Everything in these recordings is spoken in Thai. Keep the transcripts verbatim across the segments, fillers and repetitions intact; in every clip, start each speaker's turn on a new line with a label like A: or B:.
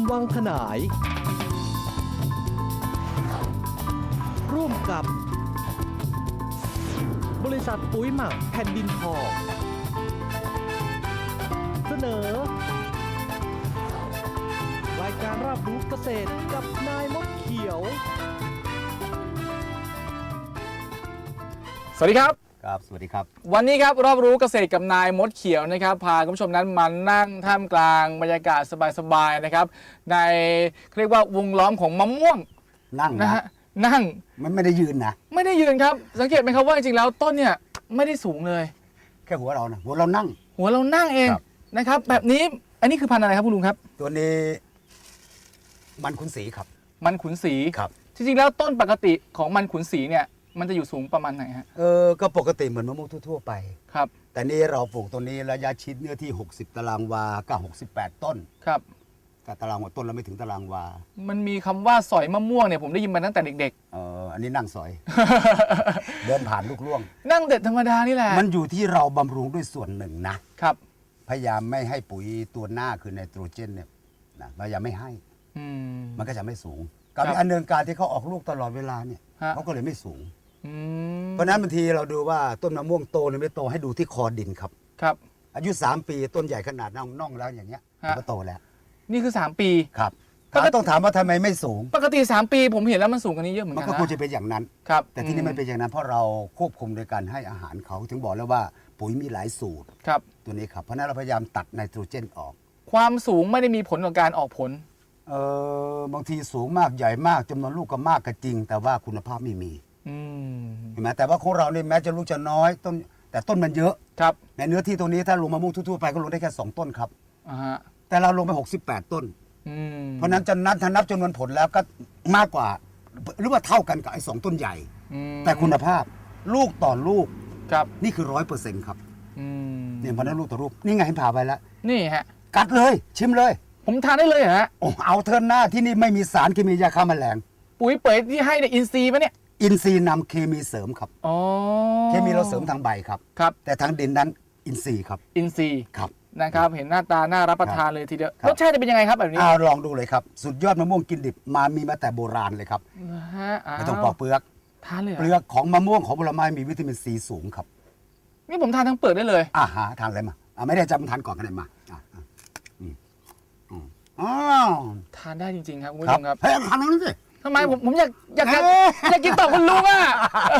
A: วังขนายร่วมกับบริษัทปุ๋ยหมักแผ่นดินทองเสนอรายการรับรู้เกษตรกับนายมดเขียว
B: สวัสดีครับ
C: ครับสวัสดีครับ
B: วันนี้ครับรอบรู้เกษตรกับนายมดเขียวนะครับพาคุณผู้ชมนั้นมานั่งท่ามกลางบรรยากาศสบายๆนะครับในเรียกว่าวงล้อมของมะม่วง
C: นั่ง
B: นะฮะนั่ง
C: มันไม่ได้ยืนนะ
B: ไม่ได้ยืนครับสังเกตไหมครับว่าจริงๆแล้วต้นเนี่ยไม่ได้สูงเลย
C: แค่หัวเรานะหัวเรานั่ง
B: หัวเรานั่งเองนะครับแบบนี้อันนี้คือพันธุ์อะไรครับคุณลุงครับ
C: ตัวนี้มันขุนศรีครับ
B: มันขุนศรี
C: ครับ
B: จริงๆแล้วต้นปกติของมันขุนศรีเนี่ยมันจะอยู่สูงประมาณไหนฮะ
C: เออก็ปกติเหมือนมะม่วงทั่วๆไป
B: ครับ
C: แต่นี่เราปลูกตัวนี้ระยะชิดเนื้อที่หกสิบตารางวาก็หกสิบแปดต้น
B: ครับ
C: แต่ตารางวาต้นเราไม่ถึงตารางวา
B: มันมีคำว่าสอยมะม่วงเนี่ยผมได้ยินมาตั้งแต่เด็ก
C: ๆเอออันนี้นั่งสอย เดินผ่านลูกล่วง
B: นั่งเด็ดธรรมดานี่แหละ
C: มันอยู่ที่เราบำรุงด้วยส่วนหนึ่งนะครับพยายามไม่ให้ปุ๋ยตัวหน้าคือไนโตรเจนเนี่ยนะพยายามไม่ให้มันก็จะไม่สูงกับอันเนื่องการที่เขาออกลูกตลอดเวลาเนี่ยเขาก็เลยไม่สูงเพราะนั้นบางทีเราดูว่าต้นมะม่วงโตหรือไม่โตให้ดูที่คอดินครับ
B: ครับ
C: อายุสามปีต้นใหญ่ขนาดน่องน่องแล้วอย่างเงี้ยก็โตแล้ว
B: นี่คือสามปี
C: ครับต้องถามว่าทำไมไม่สูง
B: ปกติสามปีผมเห็นแล้วมันสูงกว่านี้เยอะเหมือนกัน
C: มันก็ควรจะเป็นอย่างนั้น
B: ครับ
C: แต่ที่นี่ไม่เป็นอย่างนั้นเพราะเราควบคุมโดยการให้อาหารเขาถึงบอกแล้วว่าปุ๋ยมีหลายสูตร
B: ครับ
C: ตัวนี้ครับเพราะนั้นเราพยายามตัดไนโตรเจนออก
B: ความสูงไม่ได้มีผลต่อการออกผล
C: เออบางทีสูงมากใหญ่มากจำนวนลูกก็มากก็จริงแต่ว่าคุณภาพไม่มีเห็นไหมแต่ว่าของเราเนี่ยแม้จะลูกจะน้อยต้นแต่ต้นมันเยอะ
B: ครับ
C: ในเนื้อที่ตรงนี้ถ้าลงมะม่วงทั่วๆไปก็ลงได้แค่สองต้นครับแต่เราลงไปหกสิบแปดต้นเพราะนั้นจะนับถ้านับจำนวนผลแล้วก็มากกว่าหรือว่าเท่ากันกับไอ้สองต้นใหญ่แต่คุณภาพลูกต่อลูก
B: ครับ
C: นี่คือร้อยเปอร์เซ็นต์ครับเนี่ยเพราะนั้นลูกต่อลูกนี่ไงเห็นผ่าไปแล้ว
B: นี่ฮะ
C: กัดเลยชิมเลย
B: ผมทานได้เลยฮะ
C: โอ้เอาเทินหน้าที่นี่ไม่มีสารเคมียาฆ่าแมลง
B: ปุ๋ยเป๋ยที่ให้ในอินทรีย์ปะเนี่ย
C: อินทรีย์นำเคมีเสริมครับ
B: อ๋อ
C: เคมีเราเสริมทางใบครับ
B: ครับ
C: แต่ทางดินนั้นอินทรีย์ครับ
B: อินทรีย์
C: ครับ
B: นะครับเห็นหน้าตาน่ารับประทานเลยทีเดียวรสชาติจะเป็นยังไงครับแบบนี้
C: อ่าลองดูเลยครับสุดยอดมะม่วงกินดิบมามีมาแต่โบราณเลยครับไม่ต้องปอกเปลือก
B: ทานเลย
C: เปลือกของมะม่วงของผลไม้มีวิตามินซีสูงครับ
B: นี่ผมทานทั้งเปลือกได้เลย
C: อ่าฮะทานอะไรมาอ่าไม่ได้จำทานก่อนกันเลยมาอ่าอืมอ๋อ
B: ทานได้จริงๆครับคุณผู้ชมครับ
C: เฮ้ยทานแล้วสิ
B: ทำไมผมผมอยากอยากอยากกินต่อคุณลุงอ่ะ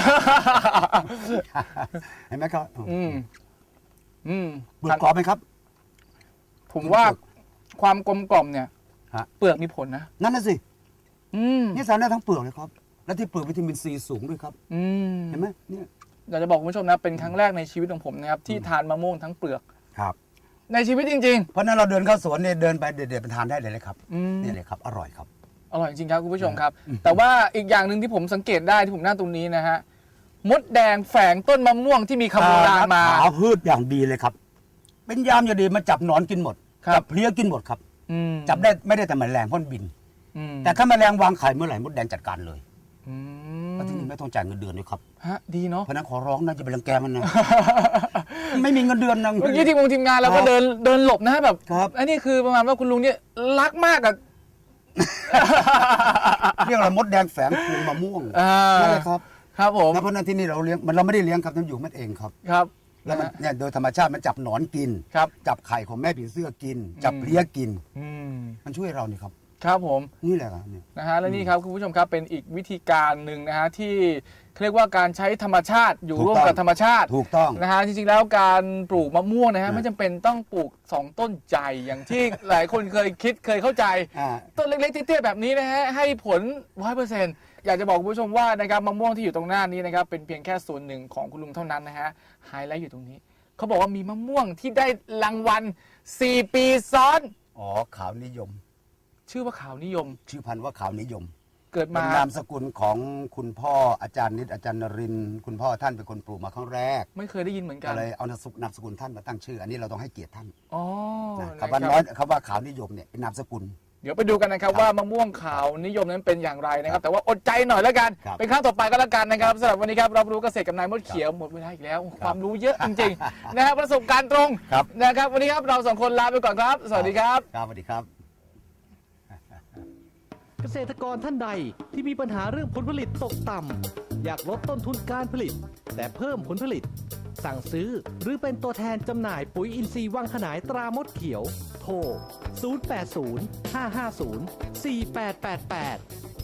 C: เห็นไหมครับ
B: อืมอืม
C: เปลือกกรอบไหมครับ
B: ผมว่าความกลมกล่อมเนี่ยเปลือกมีผลนะ
C: นั่นน่ะสินี่สารได้ทั้งเปลือกเลยครับและที่เปลือกวิตามินซีสูงด้วยครับเห็นไหมเนี่ย
B: อยากจะบอกคุณผู้ชมนะเป็นครั้งแรกในชีวิตของผมนะครับที่ทานมะม่วงทั้งเปลือก
C: ครับ
B: ในชีวิตจริง
C: ๆเพราะนั้นเราเดินเข้าสวนเนี่ยเดินไปเด็ดๆไปทานได้เลยเลยครับนี่เลยครับอร่อยครับ
B: อร่อยจริงครับคุณผู้ชมครับแต่ว่าอีกอย่างหนึ่งที่ผมสังเกตได้ที่ผมนั่งตรงนี้นะฮะมดแดงแฝงต้นมะม่วงที่มีคำโบราณมา
C: หาพืชอย่างดีเลยครับเป็นยามอย่างดีมันจับหนอนกินหมดจับเพลี้ยกินหมดครับจับได้ไม่ได้แต่แมลงพ่นบินแต่ถ้าแมลงวางไข่เมื่อไหร่มดแดงจัดการเลยแล้วที่นี่ไม่ต้องจ่ายเงินเดือนด้วยครับ
B: ฮะดีเนาะ
C: เพราะนั้นขอร้องนะจะไปรังแกมันนะไม่มีเงินเดือนนะ
B: เมื่อกี้ทีมงทีมงานเราก็เดินเดินหลบนะแบบอันนี้คือประมาณว่าคุณลุงเนี่ยรักมากอะ
C: เรียกอะไรมดแดงแฝงพวงมะม่วงนั่นแหละครับ
B: ครับผม
C: เพราะนั้นที่นี่เราเลี้ยงมันเราไม่ได้เลี้ยงครับมันอยู่มันเองครับ
B: ครับ
C: แล้วมันเนี่ยโดยธรรมชาติมันจับหนอนกินจับไข่ของแม่ผีเสื้อกินจับเพลี้ยกินมันช่วยเรานี่ครับ
B: ครับผม
C: นี่แหละครับ
B: นะฮะและนี่ครับคุณผู้ชมครับเป็นอีกวิธีการหนึ่งนะฮะที่เรียกว่าการใช้ธรรมชาติอยู่ร่วมกับธรรมชาติ
C: ถูกต้อง
B: นะฮะจริงๆแล้วการปลูกมะม่วงนะฮะไม่จำเป็นต้องปลูกสองต้นใหญ่อย่างที่หลายคนเคยคิดเคยเข้าใจต้นเล็กๆเตี้ยๆแบบนี้นะฮะให้ผล ร้อยเปอร์เซ็นต์ อยากจะบอกคุณผู้ชมว่านะครับมะม่วงที่อยู่ตรงหน้านี้นะครับเป็นเพียงแค่ส่วนหนึ่งของคุณลุงเท่านั้นนะฮะไฮไลท์อยู่ตรงนี้เขาบอกว่ามีมะม่วงที่ได้รางวัลสี่ปีซ้อน
C: อ๋อขาวนิยม
B: ชื่อว่าขาวนิยม
C: ชื่อพันธุ์ว่าขาวนิยม
B: เกิดมา
C: เป็นนามสกุลของคุณพ่ออาจารย์นิดอาจารย์นรินทร์คุณพ่อท่านเป็นคนปลูกมาครั้งแรก
B: ไม่เคยได้ยินเหมือนกัน
C: เลยเอานามสกุลท่านมาตั้งชื่ออันนี้เราต้องให้เกียรติท่าน
B: อ๋อ
C: คำว่าน้อยคำว่าขาวนิยมเนี่ยเป็นนามสกุล
B: เดี๋ยวไปดูกันนะครับว่ามะม่วงขาวนิยมนั้นเป็นอย่างไรนะครับแต่ว่าอดใจหน่อยแล้วกันเป็นครั้งต่อไปก็แล้วกันนะครับสำหรับวันนี้ครับรับรู้เกษตรกับนายมดเขียวหมดเวลาอีกแล้วความรู้เยอะจริงๆนะครับประสบการณ์ตรงนะครับวันนี้ครับเราสองคนลาไปก่อนครับสวัสดีครับ
C: ครับสวัสดีครับ
A: เกษตรกรท่านใดที่มีปัญหาเรื่องผลผลิตตกต่ำอยากลดต้นทุนการผลิต แต่เพิ่มผลผลิต สั่งซื้อหรือเป็นตัวแทนจำหน่ายปุ๋ยอินทรีย์วังขนายตรามดเขียว โทร ศูนย์ แปด ศูนย์ ห้า ห้า ศูนย์ สี่ แปด แปด แปด